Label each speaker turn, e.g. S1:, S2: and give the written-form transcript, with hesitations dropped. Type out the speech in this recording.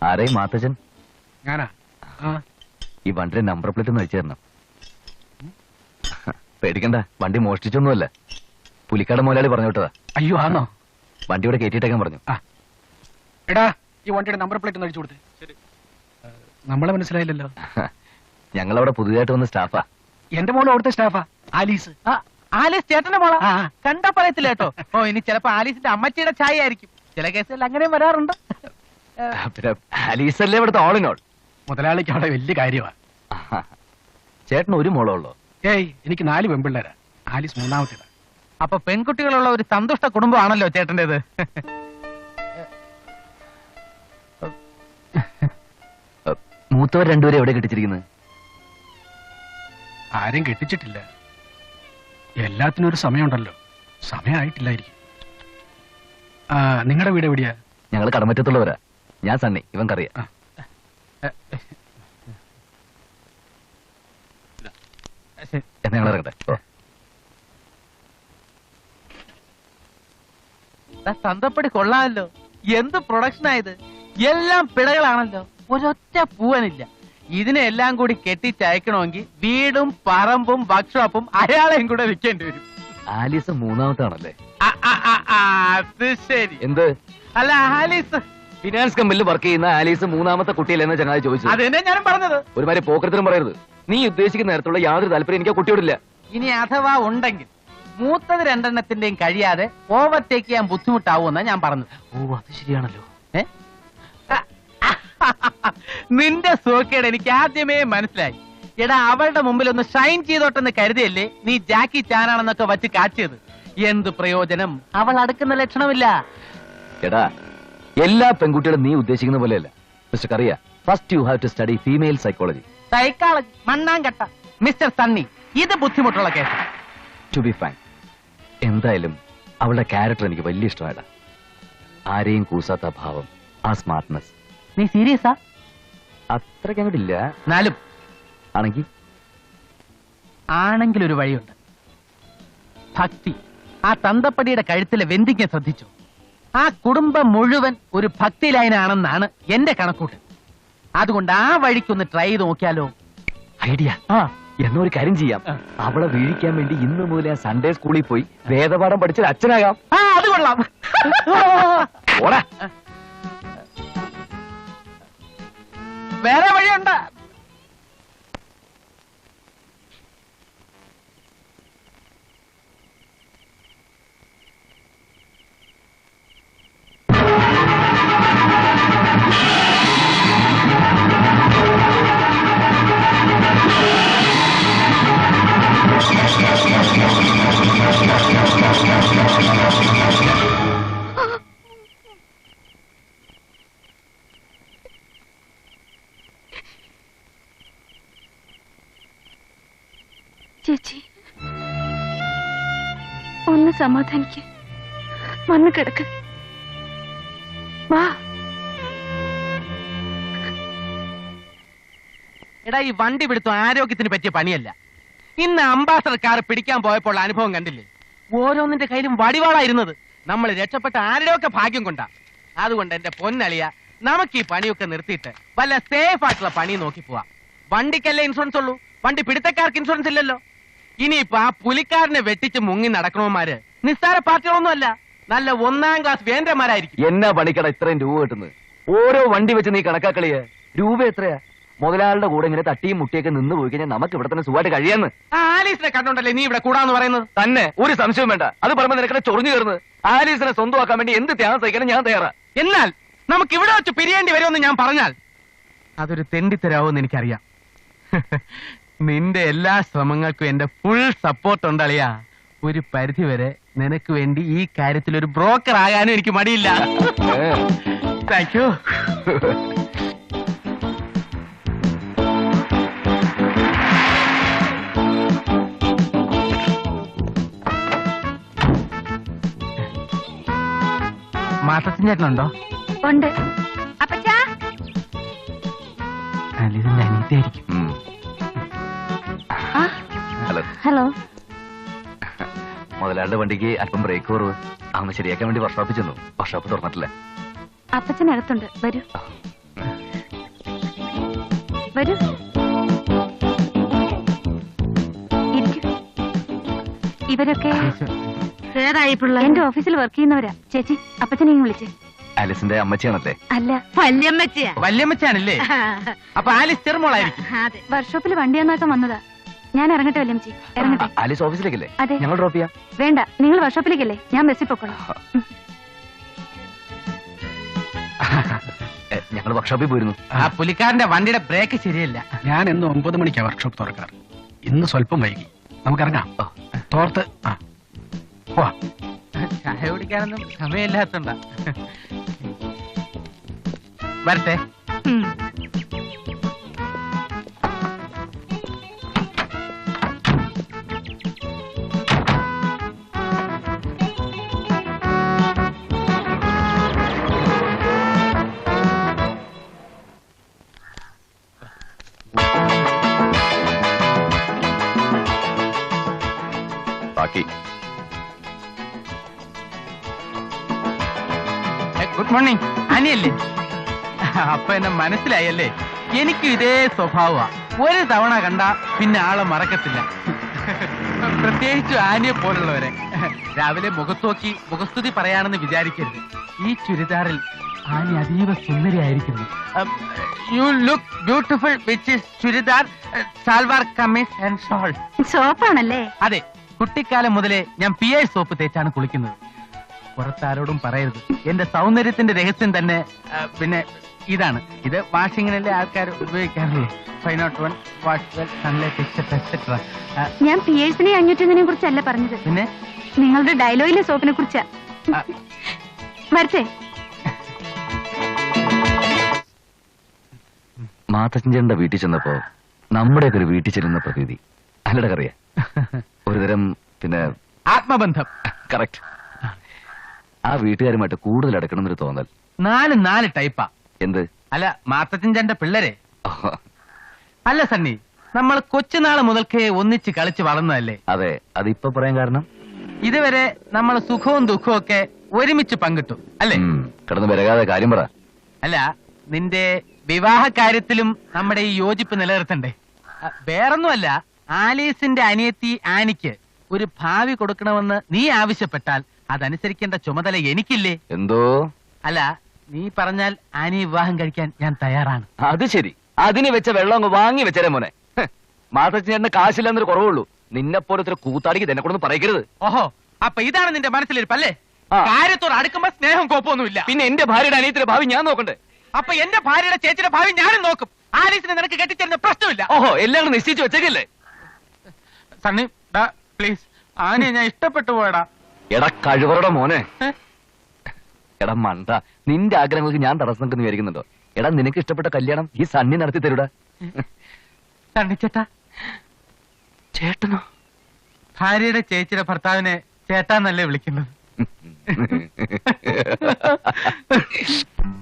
S1: ആരെയും മാത്തച്ഛൻ
S2: ഞാനാ
S1: ഈ വണ്ടിയുടെ നമ്പർ പ്ലേറ്റ് ഒന്ന് അയച്ചു തരണം. പേടിക്കണ്ട, വണ്ടി മോഷ്ടിച്ചൊന്നുമല്ല, പുലിക്കാട് മുതലാളി പറഞ്ഞു വിട്ടതാ.
S2: അയ്യോ ആണോ?
S1: വണ്ടി ഇവിടെ കയറ്റിയിട്ടേക്കാൻ പറഞ്ഞു.
S2: എടാ ഈ വണ്ടിയുടെ നമ്പർ പ്ലേറ്റ് ഒന്ന് അടിച്ചു കൊടുത്തേ. നമ്മളെ മനസ്സിലായില്ലല്ലോ.
S1: ഞങ്ങളവിടെ പുതിയതായിട്ട് വന്ന സ്റ്റാഫാ.
S2: എന്റെ മോള് അവിടുത്തെ സ്റ്റാഫാ, ആലീസ്.
S3: ആലീസ് ചേട്ടന്റെ മോളാ? കണ്ടാ പറയത്തില്ല കേട്ടോ. ഓ ഇനി ചിലപ്പോ ആലീസിന്റെ അമ്മച്ചിയുടെ ചായ ആയിരിക്കും. ചില കേസുകളിൽ അങ്ങനെയും വരാറുണ്ട്.
S1: പിന്നെ ആലീസ് അല്ലേ ഇവിടുത്തെ ഓൾ ഇൻ ഓൾ.
S2: മുതലാളിക്ക് അവിടെ വലിയ കാര്യമാ.
S1: ചേട്ടന് ഒരു മോളോ ഉള്ളോ?
S2: ഏയ് എനിക്ക് 4 പെൺപിള്ളേരാ. ആലീസ് മൂന്നാമത്തേതാ.
S3: അപ്പൊ പെൺകുട്ടികളുള്ള ഒരു സന്തുഷ്ട കുടുംബമാണല്ലോ ചേട്ടന്റേത്.
S1: മൂത്തവർ രണ്ടുപേരും എവിടെ കെട്ടിച്ചിരിക്കുന്നത്?
S2: ആരും കെട്ടിച്ചിട്ടില്ല. എല്ലാത്തിനും ഒരു സമയമുണ്ടല്ലോ. സമയമായിട്ടില്ലായിരിക്കും. നിങ്ങളുടെ വീട് എവിടെയാ?
S1: ഞങ്ങൾ കടമറ്റത്തുള്ളവരാ. ഞാൻ സണ്ണി, ഇവൻ കറിയാ. എന്നാ ഞങ്ങൾ ഇറങ്ങട്ടെ.
S3: തന്തപ്പടി കൊള്ളാമല്ലോ. എന്ത് പ്രൊഡക്ഷൻ ആയത്! എല്ലാം പിഴകളാണല്ലോ, ഒരൊറ്റ പൂവനില്ല. ഇതിനെല്ലാം കൂടി കെട്ടിച്ചയക്കണമെങ്കിൽ വീടും പറമ്പും വർക്ക്ഷോപ്പും അയാളെയും കൂടെ വിൽക്കേണ്ടി വരും.
S1: ആലീസ് മൂന്നാമത്താണല്ലേ?
S3: അത് ശരി.
S1: എന്ത്?
S3: അല്ല, ആലീസ്
S1: ഫിനാൻസ് കമ്പനിയിൽ വർക്ക് ചെയ്യുന്ന ആലീസ് മൂന്നാമത്തെ കുട്ടിയല്ലെന്ന് ചങ്ങാതി ചോദിച്ചു.
S3: അതെന്നെ ഞാനും പറഞ്ഞത്.
S1: ഒരുമാതിരി പോക്കരത്തിനും പറയരുത്. നീ ഉദ്ദേശിക്കുന്ന നേരത്തുള്ള യാതൊരു താല്പര്യം എനിക്ക് കുട്ടിയോടില്ല.
S3: ഇനി അഥവാ ഉണ്ടെങ്കിൽ മൂത്തത് 2 കഴിയാതെ ഓവർടേക്ക് ചെയ്യാൻ ബുദ്ധിമുട്ടാവുമെന്നാ ഞാൻ പറഞ്ഞത്.
S1: ഓ, അത് ശരിയാണല്ലോ.
S3: നിന്റെ സോക്കേട് എനിക്ക് ആദ്യമേ മനസ്സിലായി. എടാ, അവളുടെ മുമ്പിൽ ഒന്ന് ഷൈൻ ചെയ്തോട്ടെന്ന് കരുതിയല്ലേ നീ ജാക്കി ചാനാണെന്നൊക്കെ വച്ച് കാച്ചിയത്. എന്ത് പ്രയോജനം? അവൾ അടുക്കുന്ന ലക്ഷണമില്ല.
S1: എടാ, എല്ലാ പെൺകുട്ടികളും നീ ഉദ്ദേശിക്കുന്ന പോലെയല്ല mister Kariya. First you have to study female psychology.
S3: Psychology മണ്ണാങ്കട്ട മിസ്റ്റർ സണ്ണി, ഇത് ബുദ്ധിമുട്ടുള്ള കേസ്.
S1: ടു ബി ഫ്രാങ്ക്, എന്തായാലും അവളുടെ ക്യാരക്ടർ എനിക്ക് വലിയ ഇഷ്ടമായിട്ടാ. ആരെയും കൂസാത്ത ഭാവം, ആ സ്മാർട്ട്നെസ്.
S3: നീ സീരിയസാ?
S1: അത്രയ്ക്ക് അങ്ങോട്ടില്ല.
S3: എന്നാലും ആണെങ്കിൽ ഒരു വഴിയുണ്ട്. ഭക്തി. ആ തന്തപ്പടിയുടെ കഴുത്തിലെ വെന്തിക്ക് ശ്രദ്ധിച്ചു. ആ കുടുംബം മുഴുവൻ ഒരു ഭക്തി ലൈനാണെന്നാണ് എന്റെ കണക്കൂട്ട്. അതുകൊണ്ട് ആ വഴിക്കൊന്ന് ട്രൈ ചെയ്ത് നോക്കിയാലോ?
S1: ഐഡിയ. എന്നൊരു കാര്യം ചെയ്യാം, അവളെ വീഴിക്കാൻ വേണ്ടി ഇന്ന് മുതൽ ഞാൻ സൺഡേ സ്കൂളിൽ പോയി വേദപാഠം പഠിച്ചൊരു അച്ഛനാകാം.
S3: അത് കൊള്ളാം. വേറെ വഴിയുണ്ട്.
S4: ചേച്ചി, ഒന്ന് സമാധാനിക്ക്. വന്ന് കിടക്ക്. വാ.
S3: എടാ, ഈ വണ്ടി പിടുത്തം ആരോഗ്യത്തിന് പറ്റിയ പണിയല്ല. ഇന്ന് അംബാസഡർ കാർ പിടിക്കാൻ പോയപ്പോൾ അനുഭവം കണ്ടില്ലേ? ഓരോന്നിന്റെ കയ്യിലും വടിവാളായിരുന്നത്. നമ്മൾ രക്ഷപ്പെട്ട ആരുടെയൊക്കെ ഭാഗ്യം കൊണ്ടാ. അതുകൊണ്ട് എന്റെ പൊന്നളിയ, നമുക്ക് ഈ പണിയൊക്കെ നിർത്തിയിട്ട് വല്ല സേഫ് ആയിട്ടുള്ള പണി നോക്കി പോവാ. വണ്ടിക്കല്ലേ ഇൻഷുറൻസ് ഉള്ളൂ, വണ്ടി പിടുത്തക്കാർക്ക് ഇൻഷുറൻസ് ഇല്ലല്ലോ. ഇനിയിപ്പോ ആ പുലിക്കാരനെ വെട്ടിച്ച് മുങ്ങി നടക്കണവന്മാര് നിസ്സാര പാർട്ടികളൊന്നും അല്ല, നല്ല 1ാം ക്ലാസ് വേന്ദ്രന്മാരായിരിക്കും.
S1: എന്നാ പണിക്കട ഇത്രയും രൂപ കിട്ടുന്നത്? ഓരോ വണ്ടി വെച്ച് നീ കണക്കാക്കളിയ രൂപ എത്രയാ? മുതലാളുടെ കൂടെ ഇങ്ങനെ തട്ടിയും മുട്ടിയൊക്കെ നിന്ന് പോയി കഴിഞ്ഞാൽ നമുക്ക് ഇവിടെ തന്നെ സുഖമായിട്ട് കഴിയാന്ന്.
S3: ആലീസിനെ കണ്ടോണ്ടല്ലേ നീ ഇവിടെ കൂടാന്ന് പറയുന്നത്?
S1: തന്നെ ഒരു സംശയവും വേണ്ട. അത് പറയുമ്പോൾ നിനക്കടെ ചൊറിഞ്ഞു കയറുന്നത്. ആലീസിനെ സ്വന്തമാക്കാൻ വേണ്ടി എന്ത് ത്യാഗം സഹിക്കാനും ഞാൻ തയ്യാറാ.
S3: എന്നാൽ നമുക്ക് ഇവിടെ വെച്ച് പിരിയേണ്ടി വരുമെന്ന് ഞാൻ പറഞ്ഞാൽ അതൊരു തെണ്ടിത്തരാവെന്ന് എനിക്കറിയാം. നിന്റെ എല്ലാ ശ്രമങ്ങൾക്കും എന്റെ ഫുൾ സപ്പോർട്ട് ഉണ്ടളിയാ. ഒരു പരിധി വരെ നിനക്ക് വേണ്ടി ഈ കാര്യത്തിൽ ഒരു ബ്രോക്കർ ആകാനും എനിക്ക് മടിയില്ല. Thank you. മാസത്തിൻ ചേട്ടനുണ്ടോ?
S4: ഉണ്ട്.
S3: ഇതിന്റെ അനിയത്തിയായിരിക്കും.
S4: ഹലോ.
S1: മുതലാളുടെ വണ്ടിക്ക് അല്പം ബ്രേക്ക് കുറവ്. അവന് ശരിയാക്കാൻ വേണ്ടി വർക്ക്ഷോപ്പിൽ ചെന്നു. വർക്ക്ഷോപ്പ് തുറന്നിട്ടില്ല.
S4: അപ്പച്ചനടുത്തുണ്ട്, വരൂ. വരൂ. ഇരിക്കൂ. ഇവരൊക്കെ
S5: ഏതായി പിള്ള?
S4: എന്റെ ഓഫീസിൽ വർക്ക് ചെയ്യുന്നവരാ. ചേച്ചി, അപ്പച്ചനെ ഇങ്ങ് വിളിച്ചേ.
S1: ആലിസിന്റെ അമ്മച്ചിയാണല്ലേ?
S4: അല്ല,
S5: വല്യമ്മച്ചിയാ.
S3: വല്യമ്മച്ചാണല്ലേ? അപ്പൊ ആലിസ് ചെറുമോളായിരിക്കും.
S5: അതെ.
S4: വർക്ക്ഷോപ്പിൽ വണ്ടി നന്നാക്കാൻ വന്നതാ. ഞാൻ ഇറങ്ങട്ടെ വല്യമ്മച്ചി? ഇറങ്ങട്ടെ.
S1: ആലിസ് ഓഫീസിലേക്കല്ലേ?
S4: അതെ.
S1: ഞങ്ങൾ ഡ്രോപ്പ് ചെയ്യാം.
S4: വേണ്ട, നിങ്ങൾ വർക്ക്ഷോപ്പിലേക്കല്ലേ, ഞാൻ ബസ്സിൽ പൊക്കോളാം.
S1: ഞങ്ങൾ വർക്ക്ഷോപ്പിൽ പോയിരുന്നു.
S3: ആ പുലിക്കാരന്റെ വണ്ടിയുടെ ബ്രേക്ക് ശരിയല്ല.
S2: ഞാൻ ഇന്ന് 9 മണിക്കാണ് വർക്ക്ഷോപ്പ് തുറക്കാറ്. ഇന്ന് സ്വല്പം വൈകി. നമുക്കിറങ്ങാം. തോർത്ത് പോവാ.
S3: ചായ കുടിക്കാനൊന്നും സമയമില്ലാത്തോണ്ടാ. വരട്ടെ.
S1: ബാക്കി
S3: ഗുഡ് മോർണിംഗ്. അനിയല്ലേ? അപ്പൊ എന്നെ മനസ്സിലായല്ലേ? എനിക്കും ഇതേ സ്വഭാവമാ. ഒരു തവണ കണ്ട പിന്നെ ആളെ മറക്കത്തില്ല. പ്രത്യേകിച്ച് ആനിയെ പോലുള്ളവരെ. രാവിലെ മുഖത്ത് നോക്കി മുഖസ്തുതി പറയാണെന്ന് വിചാരിക്കരുത്. ഈ ചുരിദാറിൽ ആനി അതീവ സുന്ദരിയായിരിക്കുന്നു. You look beautiful which is churidar, salwar kameez and shawl.
S4: സോപ്പാണല്ലേ?
S3: അതെ, കുട്ടിക്കാലം മുതലേ ഞാൻ PI സോപ്പ് തേച്ചാണ് കുളിക്കുന്നത്. പുറത്താരോടും പറയരുത്. എന്റെ സൗന്ദര്യത്തിന്റെ രഹസ്യം തന്നെ പിന്നെ ഇതാണ്. ഇത് വാഷിങ്ങിനല്ലേ ആൾക്കാർ ഉപയോഗിക്കാറുള്ളൂ. 501 wash well, Sunlight etcetera etcetera.
S4: ഞാൻ പിയേഴ്സിനെ 501 കുറിച്ചല്ല പറഞ്ഞത്,
S3: പിന്നെ
S4: നിങ്ങളുടെ ഡയലോഗിലെ സോപ്പിനെ കുറിച്ചാ. വരട്ടെ.
S1: മാത്തച്ഛൻ്റെ വീട്ടിൽ ചെന്നപ്പോ നമ്മുടെയൊക്കെ ഒരു വീട്ടിൽ ചെല്ലുന്ന പ്രതീതി അല്ലട കറിയ. ഒരുതരം പിന്നെ
S3: ആത്മബന്ധം.
S1: കറക്റ്റ്. ആ വീട്ടുകാരുമായിട്ട് കൂടുതൽ അടുക്കണം എന്നൊരു തോന്നൽ.
S3: 4 ടൈപ്പാ.
S1: എന്ത്?
S3: അല്ല, മാത്തച്ഛൻ്റെ പിള്ളേരെ. അല്ല സണ്ണി, നമ്മൾ കൊച്ചുനാള് മുതൽക്കേ ഒന്നിച്ച് കളിച്ച് വളർന്നതല്ലേ?
S1: അതെ, അതിപ്പോ പറയാൻ കാരണം
S3: ഇതുവരെ നമ്മൾ സുഖവും ദുഃഖവും ഒക്കെ ഒരുമിച്ച് പങ്കിട്ടു അല്ലേ?
S1: കിടന്ന് വരകാതെ കാര്യം പറ.
S3: അല്ല, നിന്റെ വിവാഹ കാര്യത്തിലും നമ്മുടെ ഈ യോജിപ്പ് നിലനിർത്തണ്ടേ? വേറൊന്നുമല്ല, ആലീസിന്റെ അനിയത്തി ആനിക്ക് ഒരു ഭാവി കൊടുക്കണമെന്ന് നീ ആവശ്യപ്പെട്ടാൽ അതനുസരിക്കേണ്ട ചുമതല എനിക്കില്ലേ?
S1: എന്തോ?
S3: അല്ല, നീ പറഞ്ഞാൽ ആനി വിവാഹം കഴിക്കാൻ ഞാൻ തയ്യാറാണ്.
S1: അത് ശരി. അതിന് വെച്ച വെള്ളം അങ്ങ് വാങ്ങി വെച്ചേരെ മോനെ. മാത്തച്ഛൻ്റെ കാശില്ലെന്നൊരു കുറവുള്ളൂ. നിന്നെ പോലത്തെ കൂത്താടിക്ക് തന്നെ കൊണ്ടൊന്നും പറയരുത്.
S3: ഓഹോ, അപ്പൊ ഇതാണ് നിന്റെ മനസ്സിലിരിപ്പല്ലേ?
S1: ആ.
S3: കാര്യത്തോട് അടുക്കുമ്പോ സ്നേഹം കോപ്പൊന്നുമില്ല.
S1: പിന്നെ എന്റെ ഭാര്യയുടെ അനിയത്തിന്റെ ഭാവി ഞാൻ നോക്കണ്ടേ?
S3: അപ്പൊ എന്റെ ഭാര്യയുടെ ചേച്ചിയുടെ ഭാവി ഞാനും നോക്കും. ആലീസിനെ നിനക്ക് കെട്ടിച്ചേരുന്ന പ്രശ്നമില്ല.
S1: ഓഹോ, എല്ലാം കൂടെ നിശ്ചയിച്ചു വെച്ചേക്കല്ലേ?
S3: സണ്ണി, പ്ലീസ്, ആനിയെ ഞാൻ ഇഷ്ടപ്പെട്ടു പോയടാ.
S1: എടാ കഴിവറുടെ മോനെ. എടാ മണ്ട, നിന്റെ ആഗ്രഹങ്ങൾക്ക് ഞാൻ തടസ്സം നിൽക്കുന്നു വിചാരിക്കുന്നുണ്ടോ? എടാ, നിനക്ക് ഇഷ്ടപ്പെട്ട കല്യാണം ഈ സണ്ണി നടത്തി തരൂടാ.
S3: സണ്ണിച്ചേട്ടാ.
S1: ചേട്ടനോ?
S3: ഭാര്യയുടെ ചേച്ചിയുടെ ഭർത്താവിനെ ചേട്ടാന്നല്ലേ വിളിക്കുന്നത്?